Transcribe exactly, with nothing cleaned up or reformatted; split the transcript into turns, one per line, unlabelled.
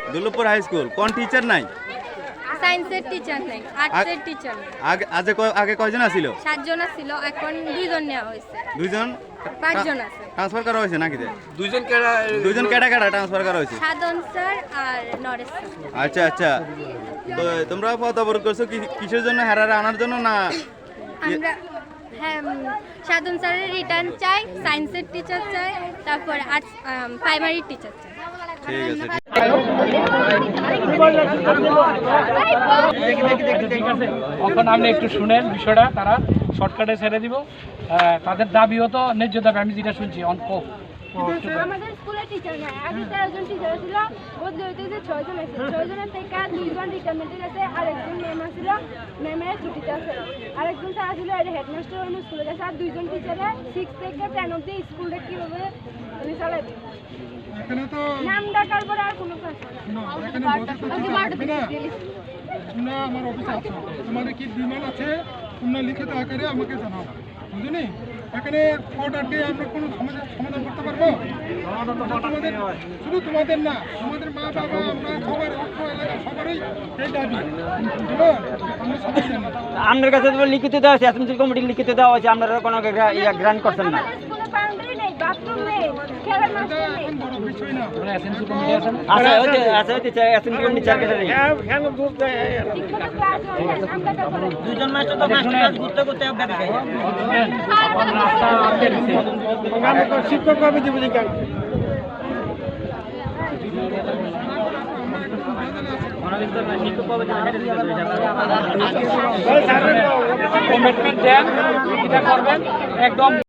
Durlabhpur high school. কোন teacher নাই?
সায়েন্সের টিচার নাই, আর্টসের টিচার নাই।
আগে আগে ক- আগে কয়জন আছিল?
সাতজন ছিল, এখন দুইজন নেওয়া হয়েছে।
দুইজন
পাঁচজন আছে।
ট্রান্সফার করা হয়েছে নাকি?
দুইজন কেডা
দুইজন কেটা কেটা ট্রান্সফার করা হয়েছে?
সাধন স্যার আর নরেশ স্যার।
আচ্ছা আচ্ছা, তো তোমরা পথ অবরোধ করছো কি- কিসের জন্য? হেরারে আনার জন্য না?
আমরা হ্যাঁ উম, সাধন স্যারের রিটার্ন চাই, সায়েন্সের টিচার চাই, তারপর আর্টস প্রাইমারি টিচার চাই।
ঠিক আছে, ঠিক।
এখন আপনি একটু শুনেন বিষয়টা, তারা শর্টকাটে ছেড়ে দিব। আহ, তাদের দাবিও তো ন্যায্য দাবি, আমি যেটা শুনছি অঙ্ক।
আমাদের স্কুলে টিচার নাই, আগে তেরো জন টিচার ছিল, বদলে হইতে যে ছয় জন আছে, ছয় জনের থেকে দুইজন রিটায়ারমেন্টে গেছে, আরেকজন ম্যাম আছিল, ম্যামের ছুটিতে আছে, আরেকজন স্যার আছিল এটা হেডমাস্টার অন্য স্কুলে গেছে, আর দুইজন টিচারে সিক্স থেকে টেন অব্দি স্কুলটা কীভাবে উনি চালাবে।
এখানে তো
নাম ডাকার পরে আর কোনো কাজ
না, এখানে বসে তো থাকবে না। তোমরা আমার অফিসে আছো, তোমাদের কি ডিমান্ড আছে তোমরা লিখিত আকারে আমাকে জানাও, বুঝলি? এখানে কোর্ট আটকে আমরা কোনো সমাধান সমাধান করতে পারবো? তোমাদের শুধু তোমাদের না, আমাদের মা বাবা আমরা সবার অর্থ এলাকা সবারই এই দাবি, বুঝলো? আমরা সবাই জানি।
আপনার কাছে তো লিখিত দেওয়া আছে, এসএমসি কমিটি লিখিত দেওয়া আছে, আপনারা কোনো ইয়া গ্রান্ট করছেন না।
আমাদের স্কুলে বাউন্ডারি নেই, বাথরুম নেই, খেলার মাঠ
এটা
নেই।
এখন বড় বিষয় না।
তোমরা এসএমসি কমিটি আছেন?
আচ্ছা ওই যে আচ্ছা ওই যে এসএমসি কমিটি চার কাছে নেই।
ঠিকমতো ক্লাস হয় না, নাম ডাকার পরে।
দুজন মাস্টার তো মাস্টার কাজ করতে করতে ব্যাপার খাই।
শুনেন, এখন রাস্তা আটকে দিছে।
শিক্ষক ভাবে দিব যে
কমিটমেন্ট দেন, এটা করবেন একদম।